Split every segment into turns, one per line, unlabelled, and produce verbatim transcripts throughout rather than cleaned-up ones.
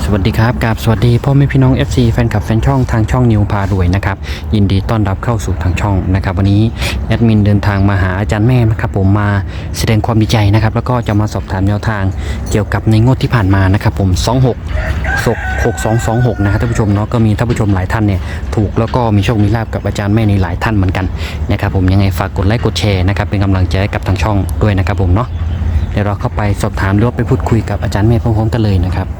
วัสดีครับกับสวัสดีพ่อแม่พี่น้อง เอฟ ซี แฟนคลับแฟนช่องทางช่องนิวพารวยนะครับยินดีต้อนรับเข้าสู่ทางช่องนะครับวันนี้แอดมินเดินทางมาหาอาจารย์แม่นะครับผมมาแสดงความดีใจนะครับแล้วก็จะมาสอบถามแนวทางเกี่ยวกับในงวดที่ผ่านมานะครับผมสองหก หก สอง สอง หกนะครับท่านผู้ชมเนาะก็มีท่านผู้ชมหลายท่านเนี่ยถูกแล้วก็มีโชคมีลาภกับอาจารย์แม่ในหลายท่านเหมือนกันนะครับผมยังไงฝากกดไลค์กดแชร์นะครับเป็นกำลังใจให้กับทางช่องด้วยนะครับผมเนาะเดี๋ยวเราเข้าไปสอบถามหรือว่าไปพูดคุยกับอาจารย์แม่พร้อมๆกันเลยนะครับ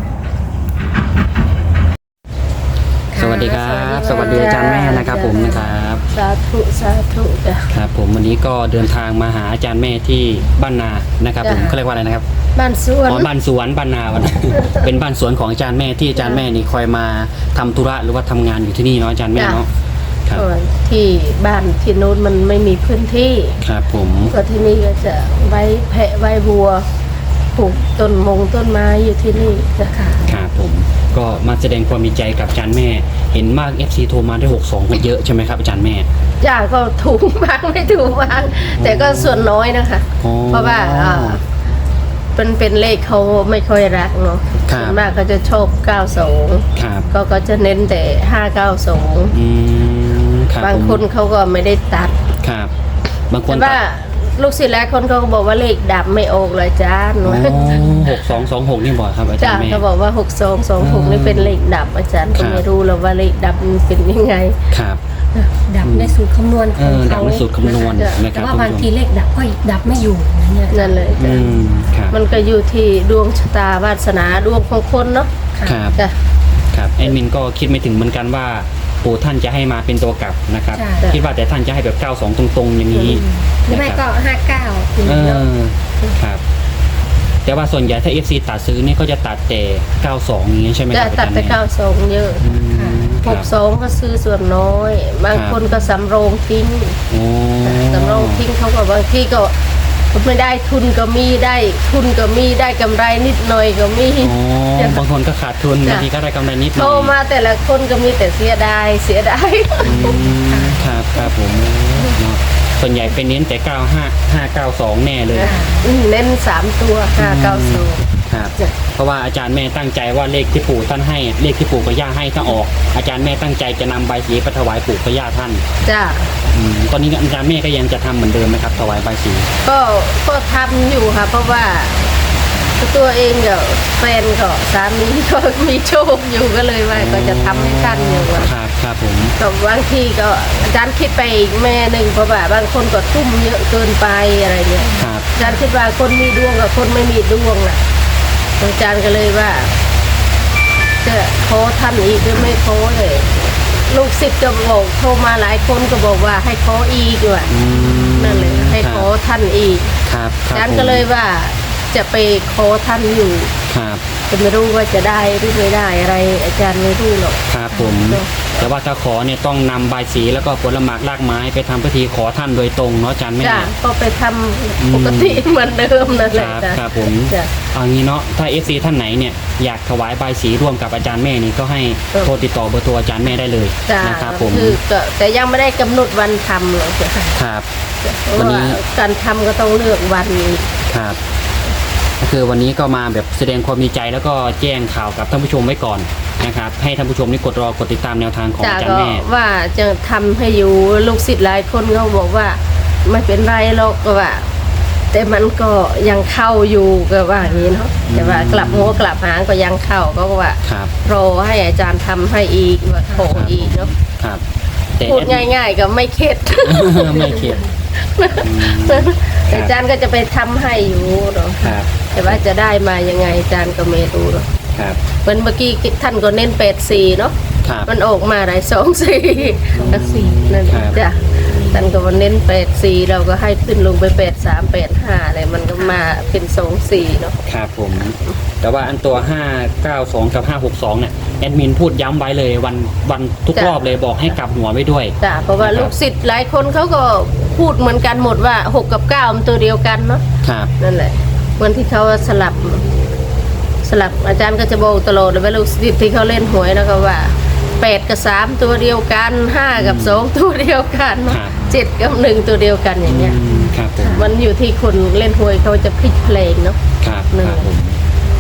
สวัสดีครับสวัสดีอาจารย์แม่นะครับผมนะครับ
สาธุสาธุจ้ะ
ครับผมวันนี้ก็เดินทางมาหาอาจารย์แม่ที่บ้านนานะครับผมเขาเรียกว่าอะไรนะครับ
บ้านสวน
อ๋อบ้านสวนบ้านนาวัน เป็นบ้านสวนของอาจารย์แม่ที่อาจารย์แม่นี่คอยมาทำธุระหรือว่าทำงานอยู่ที่นี่เนาะอาจารย์แม่เนาะครับ
ที่บ้านที่โน้นมันไม่มีพื้นที่
ครับผม
ก็ที่นี่ก็จะไว้แพะไว้บัวปลูกต้นมงต้นไม้อยู่ที่นี่นะคะ
ครับผมก็มาแสดงความดีใจกับอาจารย์แม่เห็นมาก เอฟ ซี โทรมาได้หกสองกันเยอะใช่ไหมครับอาจารย์แม่
จ้าก็ถูกบ้างไม่ถูกบ้างแต่ก็ส่วนน้อยนะคะเพราะว่าเป็นเป็นเลขเขาไม่ค่อยรักเนาะส่วนมากเขาจะชอบเก้าสองก็ก็จะเน้นแต่ห้าเก้าสองบางคนเขาก็ไม่ได้ตัด
ครับบางคน
ว่าลูกศิษย์แล้วคนเขาก็บอกว่าเลขดับไม่ออกเลยจ้าหนู
หกสองสองหกนี่บอกครับอาจารย์แม่
เขาบอกว่าหกสองสองหกนี่เป็นเลขดับอาจารย์ก็ไม่รู้แล้วว่าเลขดับมันเป็นยังไง
ครับ
ดับในสูตรคำนวณของเขา
ดับในสูตรคำนวณ
แต่ว่าบางทีเลขดับก็ดับไม่อยู่
นั่นเลยมันก็อยู่ที่ดวงชะตาวาสนาดวงของคนเนาะ
ครับครับแอดมินก็คิดไม่ถึงเหมือนกันว่าปู่ท่านจะให้มาเป็นตัวกลับนะครับคิดว่าแต่ท่านจะให้แบบเก้าสองตรงๆอย่างนี้
หรือไม่ก็ห้าเก้า
ครับแต่ว่าส่วนใหญ่ถ้า เอฟ ซี ตัดซื้อนี่ก็จะตัดแต่เก้าสองอย่างนี้ใช่ไหมครับ
ตัดแต่เก้าสองเยอะหกสองก็ซื้อส่วนน้อยบางคนก็สำรองทิ้งสำรองทิ้งเขาก็บางที่ก็ไม่ได้ทุนก็มีได้ทุนก็มีได้กำไรนิดหน่อยก็มี
บางคนก็ขาดทุนบางทีก็ได้กำไรนิดหน่อย
โตมาแต่ละคนก็มีแต่เสียดายเสียดาย
ครับครับผมส่วนใหญ่เป็นเน้นแต่เก้าห้าห้าเก้าสองแน่เลย
เน้นสามตัวห้าเก้าสอง
ครับเพราะว่าอาจารย์แม่ตั้งใจว่าเลขที่ปู่ท่านให้เลขที่ปู่กับย่าให้ถ้าออกอาจารย์แม่ตั้งใจจะนำใบสีไปถวายปู่กับย่าท่าน
จ้า
ตอนนี้อาจารย์แม่ก็ยังจะทำเหมือนเดิมไหมครับถวายใบสี
ก็ก็ทำอยู่ค่ะเพราะว่าตัวเองกับแฟนก็สามีก็มีโชคอยู่ก็เลยว่าก็จะทำให้ท่านอยู่
ครับครับผม
แต่บางทีก็อาจารย์คิดไปอีกแม่หนึ่งเพราะว่าบางคนก็ทุ่มเยอะเกินไปอะไรเงี้ยอาจารย์คิดว่าคนมีดวงกับคนไม่มีดวงน่ะอาจารย์ก็เลยว่าจะขอท่านอีกหรือไม่ขอเลยลูกศิษย์ก็บอกโทรมาหลายคนก็บอกว่าให้ขออีกว่ะนั่นเลยให้ขอท่านอีกอาจารย์ก็เลยว่าจะไปขอท่านอยู่จะไม่รู้ว่าจะได้หรือไม่ได้อะไรอาจารย์ไม่รู้หรอก
ครับผมแต่ว่าถ้าขอเนี่ยต้องนำใบสีแล้วก็ผลหมากรากไม้ไปทำพิธีขอท่านโดยตรงเนาะอาจารย์แม่
จ้ะก็ไปทำปกติเหมือนเดิมนั่นแหละ
จ้ะครับผมเอางี้เนาะถ้าเอฟซีท่านไหนเนี่ยอยากถวายใบสีร่วมกับอาจารย์แม่นี่ก็ให้โทรติดต่อเบอร์โทรอาจารย์แม่ได้เลยนะครับผม
คือแต่ยังไม่ได้กำหนดวันทำหรอก
ครับ
วันนี้การทำก็ต้องเลือกวัน
ครับก็คือวันนี้ก็มาแบบแสดงความดีใจแล้วก็แจ้งข่าวกับท่านผู้ชมไว้ก่อนนะครับให้ท่านผู้ชมนี่กดรอกดติดตามแนวทางของอาจารย์แม่
ว่าจะทำให้อยู่ลูกศิษย์หลายคนเขาบอกว่าไม่เป็นไรหรอกก็ว่าแต่มันก็ยังเข้าอยู่ก็ว่าอย่างนี้เนาะแต่ว่ากลับหัวกลับหางก็ยังเข้าก็ว่ารอให้อาจารย์ทำให้อีกว่าขออีกเนาะพูดง่ายๆก็ไม่เข็ด
ไม่เข็ด
อาจารย์ก็จะไปทำให้อยู่เนาะแต่ว่าจะได้มายังไงอาจารย์ก็ไม่รู้เนาะเหมือนเมื่อกี้ท่านก็เน้นแปดสี่เนาะมันออกมาได้สองสี่สี่นั่นจ้ะท่านก็เน้นแปดสี่เราก็ให้ขึ้นลงไปแปดสามแปดห้าอะไรมันก็มาเป็นสองสี่เนาะ
ครับผมแต่ว่าอันตัวห้าเก้าสองกับห้าหกสองเนี่ยแอดมินพูดย้ำไว้เลยวันวันทุกรอบเลยบอกให้กลับหัวไว้ด้วย
จ้ะเพราะว่าลูกศิษย์หลายคนเขาก็พูดเหมือนกันหมดว่าหกกับเก้ามันตัวเดียวกันเนาะ
ครับ
นั่นแหละวันที่เขาสลับสลับอาจารย์ก็จะบอกตลอดเลยว่าลูกศิษย์ที่เขาเล่นหวยนะก็ว่าแปดกับสามตัวเดียวกันห้ากับสองตัวเดียวกันเจ็ดกับหนึ่งตัวเดียวกันอย่างเงี้ยมันอยู่ที่คนเล่นหวยเขาจะพลิกเพลงเนาะ
ครับครับผม น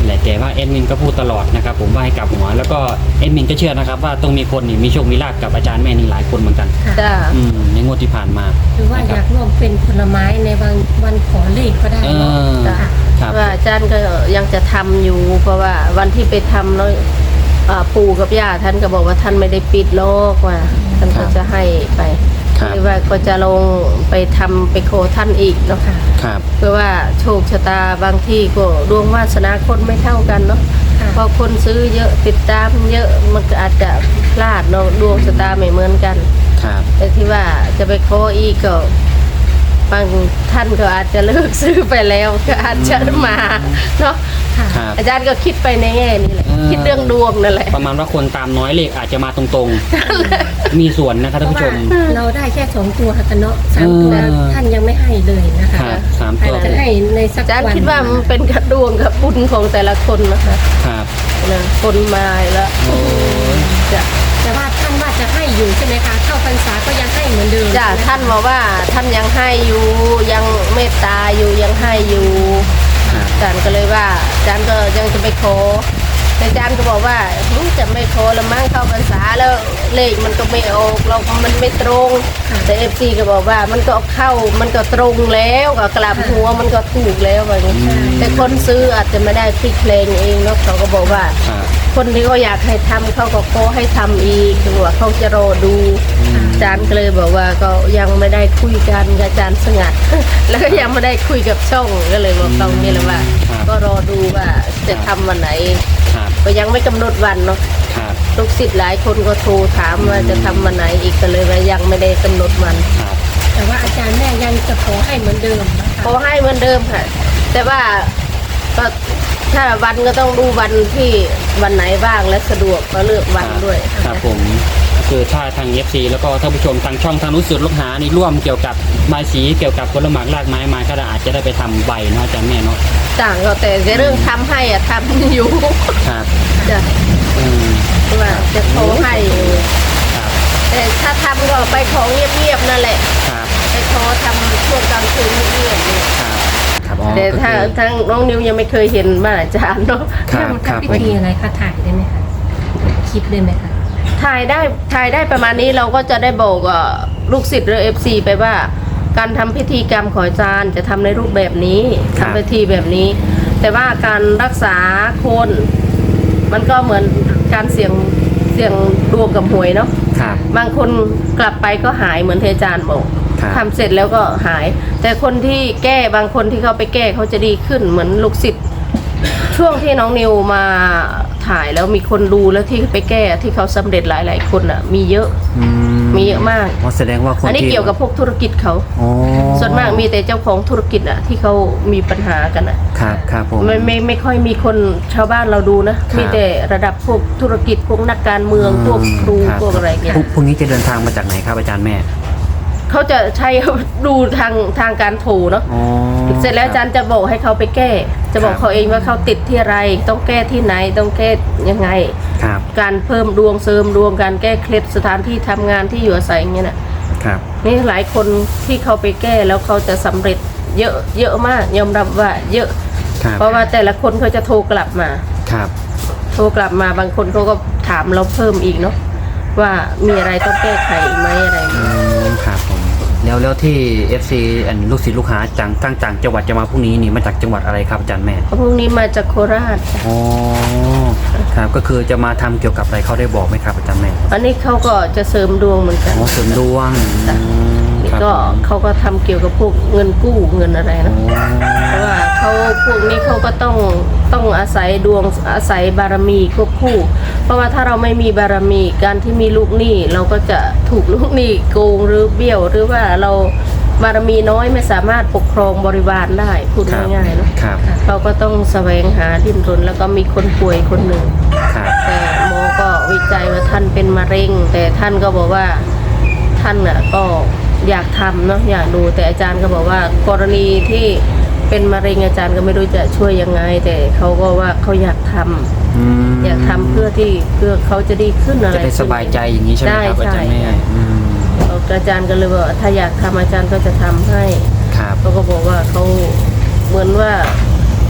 แหละแต่ว่าแอดมินก็พูดตลอดนะครับผมว่าให้กลับหัวแล้วก็แอดมินก็เชื่อนะครับว่าต้องมีคนนี่มีโชคมีลาภกับอาจารย์แม่นี่หลายคนเหมือนกัน
ค่ะ
จ้า
อืมในงวดที่ผ่านมา
หรือว่า
นะ
อ
ค
ยา
รับ
กร่วมเป็นผลไม้ในวันวันขอเลขก็ได้
เอ
เนาะ
อ
จ้ะ
ครับ
ว่าอาจารย์ก็ยังจะทำอยู่ เพราะว่าวันที่ไปทำเนาะอ่าปู่กับย่าท่านก็บอกว่าท่านไม่ได้ปิดโลกว่าท่านก็จะให้ไป
ครับ
หรือว่าก็จะลงไปทำไปโคท่านอีกเนาะ
ค่ะ
ครับ
เพื่อว่าโชคชะตาบางที่ก็ดวงวาสนาคนไม่เท่ากันเนาะ
ค่ะ
พอคนซื้อเยอะติดตามเยอะมันก็อาจจะพลาดเนาะดวงชะตาไม่เหมือนกัน
ครับ
แต่ที่ว่าจะไปขออีกก็บางท่านก็อาจจะเลิกซื้อไปแล้วก็อาจจะมาเนาะ
ค่ะ
ครับ
อาจารย์ก็คิดไปในแง่นี้แหละ
เออ
คิดเรื่องดวงนั่นแหละ
ประมาณว่าคนตามน้อยเลขอาจจะมาตรงๆ มีส่วนนะครับ
เพ
ท่าน
ราะ
ผู้ช
ว่าม เราได้แค่สองตัวค่ะกันเนาะสามตัว
เออ
ท่านยังไม่ให้เลยนะคะ
ครับสาม
อา
ตั
จ
ว
จะให้ในสัก
อาจารย์
วัน
คิดว่ามันเป็นกระดวงกับบุญของแต่ละคนนะคะ
ครับ
นะคนมาแล้ว
โอ้ย
จะ
แต่ว่าท่านว่าจะให้อยู่ใช่ไหมคะเข้าพรรษาก็ยังให้เหมือนเดิม
จ้ะ
ใช่ไหมคะ
ท่านบอกว่าท่านยังให้อยู่ยังเมตตาอยู่ยังให้อยู่
ครับ
อาจารย์ก็เลยว่าอาจารย์ก็ยังจะไปขอแต่อาจารย์ก็บอกว่าหึจะไม่ขอละมั้งเข้าพรรษาแล้วเลขมันก็ไม่ออกเรามันไม่ตรง แต่เอฟซีก็บอกว่ามันก็เข้ามันก็ตรงแล้วก็กลับหัวมันก็ถูกแล้วแบบนี้
อืม
แต่คนซื้ออาจจะไม่ได้พลิกเพลงเองเนาะเขาก็บอกว่า
ครับ
คนที่เขาอยากให้ทำเขาก็ขอให้ทำอีกคือว่าเขาจะรอดู
อืม
อาจารย์ก็เลยบอกว่าก็ยังไม่ได้คุยกันกับอาจารย์สงัด แล้วก็ยังไม่ได้คุยกับช่องก็เลยบอกตรงนี้เลยว่า
ครับ
ก็รอดูว่าจะทำวันไหน
ครับ
ก็ยังไม่กำหนดวันเนาะ
ครับ
ลูกศิษย์หลายคนก็โทรถามว่าจะทำวันไหนอีกก็เลยว่ายังไม่ได้กำหนดวัน
ครับ
แต่ว่าอาจารย์แม่ยังจะขอให้เหมือนเดิมนะคะ
ขอให้เหมือนเดิมค่ะ แต่ว่าก็ถ้าวันก็ต้องดูวันที่วันไหนบ้างและสะดวกก็เลือกวันด้วย
ครับผมก็คือถ้าทาง เอฟ ซี แล้วก็ท่านผู้ชมทางช่องทางรู้สึกลูกหานี่ร่วมเกี่ยวกับใบายสีเกี่ยวกับผลหมากรากไม้มาก็อาจจะได้ไปทำใบเนาะอาจารย์แม่เนาะ
ต่างก็แต่ในเรื่องทำให้อะทำอยู่
ครับ
จะ
อืม
ว่าจะขอให้อยู่
ครับ
แต่ถ้าทำก็ไปของเงียบๆนั่นแหละ
ครับ
ไปขอทำช่วงกลางคืนเงียบๆเนี่ย
ครับครับอ๋อ
แต่ถ้า
ก็คือ
ทั้งน้องนิวยังไม่เคยเห็นบ้านอาจารย์เนาะ
ครับ
ทำพิธีอะไรคะถ่ายได้ไหมคะคลิปได้ไหมคะ
ถ่ายได้ถ่ายได้ประมาณนี้เราก็จะได้บอกกับลูกศิษย์หรือเอฟซีไปว่า การทำพิธีกรรมของอาจารย์จะทำในรูปแบบนี้ทำพิธีแบบนี้ แต่ว่าการรักษาคน มันก็เหมือนการเสี่ยงเสี่ยงดวงกับหวยเนาะ
ครับ
บางคนกลับไปก็หายเหมือนที่อาจารย์บอก
ครับ
ทำเสร็จแล้วก็หาย แต่คนที่แก้บางคนที่เขาไปแก้เขาจะดีขึ้นเหมือนลูกศิษย์ช่วงที่น้องนิวมาถ่ายแล้วมีคนดูแล้วที่ไปแก้ที่เขาสำเร็จหลายๆคนอ่ะ มีเยอะ
อื
มีเยอะมาก
อ๋อแสดงว่าคน
อันนี้
ที่
เกี่ยวกับพวกธุรกิจเขา
อ๋อ
ส่วนมากมีแต่เจ้าของธุรกิจอ่ะที่เขามีปัญหากันอ่ะ
ครับครับผม
ไม่ไม่ไม่ค่อยมีคนชาวบ้านเราดูนะ
ครับ
มีแต่ระดับพวกธุรกิจพวกนักการเมืองพวกครู
บ
พวกอะไรเงี้ย
พรุ่งพรุ่งนี้จะเดินทางมาจากไหนครับอาจารย์แม่
เขาจะใช้ ดูทางทางการโทรเนาะ
อ๋อ
เสร็จแล้วอาจารย์จะบอกให้เขาไปแก้ จะบอก
ครับ
เขาเองว่าเขาติดที่อะไร ต้องแก้ที่ไหนต้องแก้ยังไง
ครับ
การเพิ่มดวงเสริมดวงการแก้เคล็ดสถานที่ทำงานที่อยู่อาศัยอย่างเงี้ยนะครับ นี่หลายคนที่เขาไปแก้แล้วเขาจะสำเร็จเยอะเยอะมากยอมรับว่าเยอะ
ครับ
เพราะว่าแต่ละคนเขาจะโทรกลับมา
ครับ
โทรกลับมาบางคนเขาก็ถามเราเพิ่มอีกเนาะว่ามีอะไรต้องแก้ไขอีกไหมอะไรอย่าง
อื
เงี้ย
มครับผมแล้วแล้วที่ เอฟ ซี อันลูกศิษย์ลูกหาจังตั้งจังจังหวัดจะมาพรุ่งนี้นี่มาจากจังหวัดอะไรครับอาจารย์แม่
เพราะพรุ่งนี้มาจากโคราช
อ๋อครับก็คือจะมาทำเกี่ยวกับอะไรเขาได้บอกไหมครับอาจารย์แม่
อันนี้เขาก็จะเสริมดวงเหมือนกัน
อ๋อเสริมดวง
จ้ะ
อืม
นี่
ครับ
ก็
ผม
เขาก็ทำเกี่ยวกับพวกเงินกู้เงินอะไร
อ๋อ
นะเพราะว่าเขาพวกนี้เขาก็ต้องต้องอาศัยดวงอาศัยบารมีควบคู่ เพราะว่าถ้าเราไม่มีบารมีการที่มีลูกหนี้เราก็จะถูกลูกหนี้โกงหรือเบี้ยว หรือว่าเราบารมีน้อยไม่สามารถปกครองบริวารได้พูด
ครับ
ง่ายๆเนาะ
ครับ
เราก็ต้องแสวงหาดิ้นรนแล้วก็มีคนป่วยคนหนึ่ง
ครับ
แต่หมอก็วิจัยว่าท่านเป็นมะเร็ง แต่ท่านก็บอกว่าท่านน่ะก็อยากทำเนาะอยากดูแต่อาจารย์ก็บอกว่ากรณีที่เป็นมะเร็งอาจารย์ก็ไม่รู้จะช่วยยังไง แต่เขาก็ว่าเขาอยากทำ
อืม
อยากทำเพื่อที่เพื่อเขาจะดีขึ้นอะไร
จะได้สบายใจอย่างนี้ใช่ไหมครับอาจารย์แม่
ใช่
อืม
อาจารย์ก็เลยบอกว่าถ้าอยากทำอาจารย์ก็จะทำให้
ครับ
เขาก็บอกว่าเขาเหมือนว่า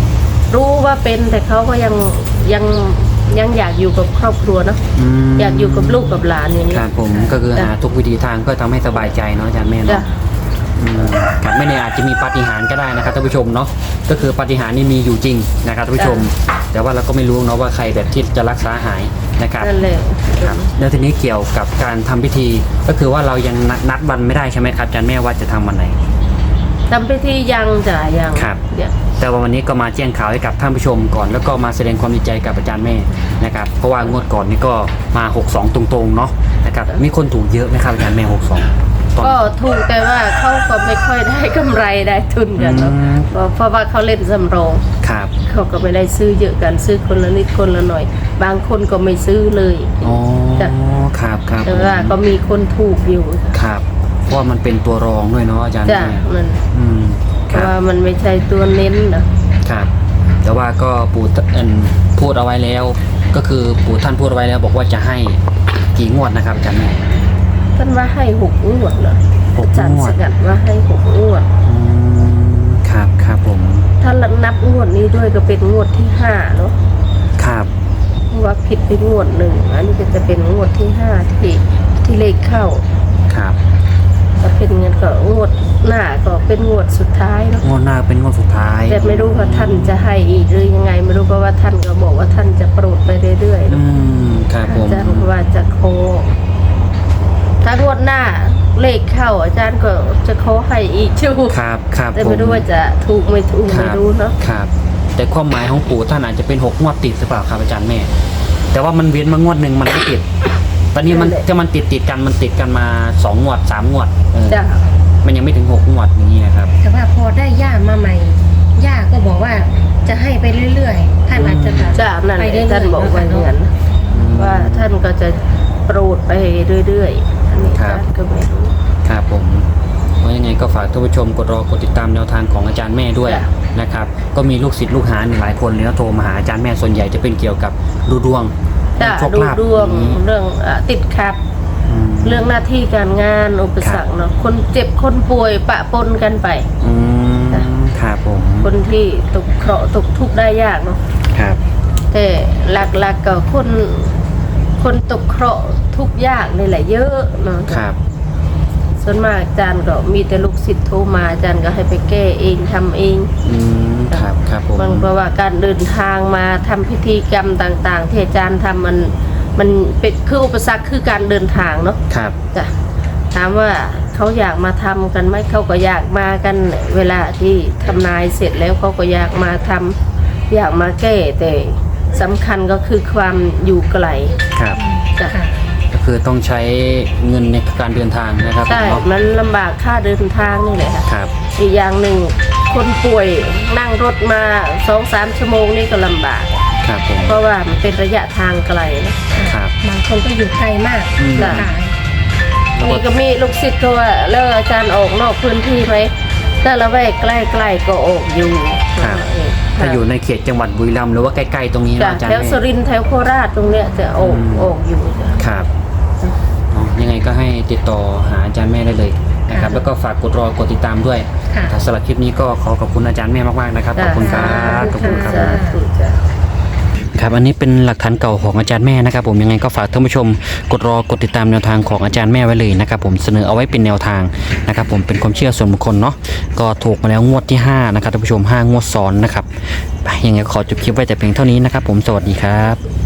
รู้ว่าเป็นแต่เขาก็ยังยังยังอยากอยู่กับครอบครัวเนาะ
ม
อยากอยู่กับลูกกับหลานอย่างนี้
ครับผมก็คือหาทุกวิธีทางก็ทำให้สบายใจเนาะอาจารย์แม่
จ้ะ
เนาะอืมครับไม่แน่อาจจะมีปาฏิหาริย์ก็ได้นะครับท่านผู้ชมเนาะก็คือปาฏิหาริย์นี่มีอยู่จริงนะครับท่านผู้ชม แต่ว่าเราก็ไม่รู้เนาะว่าใครแบบที่จะรักษาหายนะครับ
นั่นแหละ
ครับแล้วทีนี้เกี่ยวกับการทำพิธีก็คือว่าเรายังนัดนัดวันไม่ได้ใช่ไหมครับอาจารย์แม่ว่าจะทำวันไหน
ทำพิธียังจ้ะยัง
ครับ
เดี๋ยว
แต่ว่าวันนี้ก็มาแจ้งข่าวให้กับท่านผู้ชมก่อนแล้วก็มาแสดงความดีใจกับอาจารย์แม่นะครับเพราะว่างวดก่อนนี่ก็มาหกสองตรงๆเนาะนะครับมีคนถูกเยอะไหมครับอาจารย์แม่หกสองตอน
ก็ถูกแต่ว่าเขาก็ไม่ค่อยได้กำไรได้ทุนกันเนาะ
อืม
เพราะเพราะว่าเขาเล่นสำรอง
ครับ
เขาก็ไม่ได้ซื้อเยอะกันซื้อคนละนิดคนละหน่อย บางคนก็ไม่ซื้อเลย
อ๋อ
จ้ะ
ครับครับ
แต่ว่าก็มีคนถูกอยู่
ครับเพราะว่ามันเป็นตัวรองด้วยเนาะอาจารย์
จ้ะ
แม่
มัน
อืม
เพ
ครั
ราะ
บ
ว่ามันไม่ใช่ตัวเน้นนะ
ครับ แต่ว่าก็ปู่เอิ่นพูดเอาไว้แล้ว ก็คือปู่ท่านพูดเอาไว้แล้วบอกว่าจะให้กี่งวดนะครับอาจารย์แม่
ท่านว่าให้หกงวดเหรอ
หก
อาจารย์
งว
ส
ด
กัดว่าให้หกงวด
อืมครับครับผม
ถ้านับงวดนี้ด้วยก็เป็นงวดที่ห้าเนาะ
ครับ
เพราะว่าผิดไปงวดหนึ่งอันนี้ก็จะเป็นงวดที่ห้าที่ที่เลขเข้า
ครับ
ถ้าเป็นเงินก็งวดหน้าก็เป็นงวดสุดท้ายเนาะ
งวดหน้าเป็นงวดสุดท้าย
แต่ไม่รู้ว่าท่านจะให้อีกหรือยังไง ไม่รู้เพราะว่าท่านก็บอกว่าท่านจะโปรดไปเรื่อยๆ
อื
เนาะ
มครับผม
อาจารย์ว่าจะโคถ้างวดหน้าเลขเข้า อาจารย์ก็จะโคให้อีกชู
ครับครับ
แต่
ผ
ไม่
ม
รู้ว่าจะถูกไม่ถูก
ค
ไม่
บ
รู้เนาะ
ครับ แต่ความหมายของปู่ท่านอาจจะเป็นหกงวดติดหรือเปล่าครับอาจารย์แม่ แต่ว่ามันเว้นมางวดหนึ่งมันไม่ติด ตอนนี้มันถ้ามันติดติดกันมันติดกันมาสองงวดสามงวดเออ
จ้ะ
มันยังไม่ถึงหกงวดอย่างนี้นะครับ
แต่ว่าพอได้ย่ามาใหม่ ย่าก็บอกว่าจะให้ไปเรื่อยๆท่านอาจจะแบบ
จ้ะนั่นแห
ไป
ละ
เรื่อยๆ
ท่านบอกไว้อย่างนั้น
อืม
ว่าท่านก็จะโปรดไปเรื่อยๆอันนี้
ครับ
อาจารย์ก็ไม่รู้
ครับผมเพราะยังไงก็ฝากท่านผู้ชมกดรอกดติดตามแนวทางของอาจารย์แม่ด้วย
จ้ะ
นะครับ ก็มีลูกศิษย์ลูกหาหลายคนเลยนะโทรมาหาอาจารย์แม่ส่วนใหญ่จะเป็นเกี่ยวกับดูดวง
จ้ะ
โชค
ดู
ลาภ
ดวง
อย่างนี้
เรื่องอ่ะติดขัด
อืม
เรื่องหน้าที่การงานอุปสรรคเนาะคนเจ็บคนป่วยปะปนกันไป
อืม
จ้ะ
ครับผม
คนที่ตกเคราะห์ตกทุกข์ได้ยากเนาะ
ครับ
แต่หลักๆก็คนคนตกเคราะห์ทุกข์ยากนี่แหละเยอะเนาะ
ครับ
ส่วนมากอาจารย์ก็มีแต่ลูกศิษย์โทรมาอาจารย์ก็ให้ไปแก้เองทำเอง
อืมครับครับผม
มันเพราะว่าการเดินทางมาทำพิธีกรรมต่างๆ ที่อาจารย์ทำมันมันเป็นคืออุปสรรคคือการเดินทางเนาะ
ครับ
จ้ะถามว่าเขาอยากมาทำกันไหมเขาก็อยากมากันเวลาที่ทำนายเสร็จแล้วเขาก็อยากมาทำอยากมาแก้แต่สำคัญก็คือความอยู่ไกล
ครับ
จ้ะ
ค่ะ
ก็คือต้องใช้เงินในการเดินทางนะครับ
ใช่
เนาะ
มันลำบากค่าเดินทางนี่แหละค่ะ
ครับ
อีกอย่างหนึ่งคนป่วยนั่งรถมาสองสามชั่วโมงนี่ก็ลำบาก
ครับผม
เพราะว่ามันเป็นระยะทางไกลนะครับ
บางคนก็อยู่ไกลมาก
อืม
ค่ะ
นี่ก็มีลูกศิษย์ก็ว่าแล้วอาจารย์ออกนอกพื้นที่ไหมถ้าละแวกใกล้ๆก็ออกอยู่
ครับ ถ้าอยู่ในเขตจังหวัดบุรีรัมย์หรือว่าใกล้ๆตรงนี้
จ้ะ
เนาะอาจารย์
แถว
แม่
สุรินทร์แถวโคราชตรงเนี้ยจะออก
อืม
ออกอยู่จ้ะ
ครับอ๋อยังไงก็ให้ติดต่อหาอาจารย์แม่ได้เลยนะครับ แล้วก็ฝากกดรอกดติดตามด้วย
ค่ะ
ถ้าสำหรับคลิปนี้ก็ขอขอบคุณอาจารย์แม่มากๆนะครับ ขอบคุณครับขอบคุณครับ
สาธุจ้ะ
ครับอันนี้เป็นหลักฐานเก่าของอาจารย์แม่นะครับผมยังไงก็ฝากท่านผู้ชมกดรอกดติดตามแนวทางของอาจารย์แม่ไว้เลยนะครับผมเสนอเอาไว้เป็นแนวทางนะครับผมเป็นความเชื่อส่วนบุคคลเนาะก็ถูกมาแล้วงวดที่ห้านะครับท่านผู้ชมห้างวดซ้อนนะครับไปยังไงก็ขอจบคลิปไว้แต่เพียงเท่านี้นะครับผมสวัสดีครับ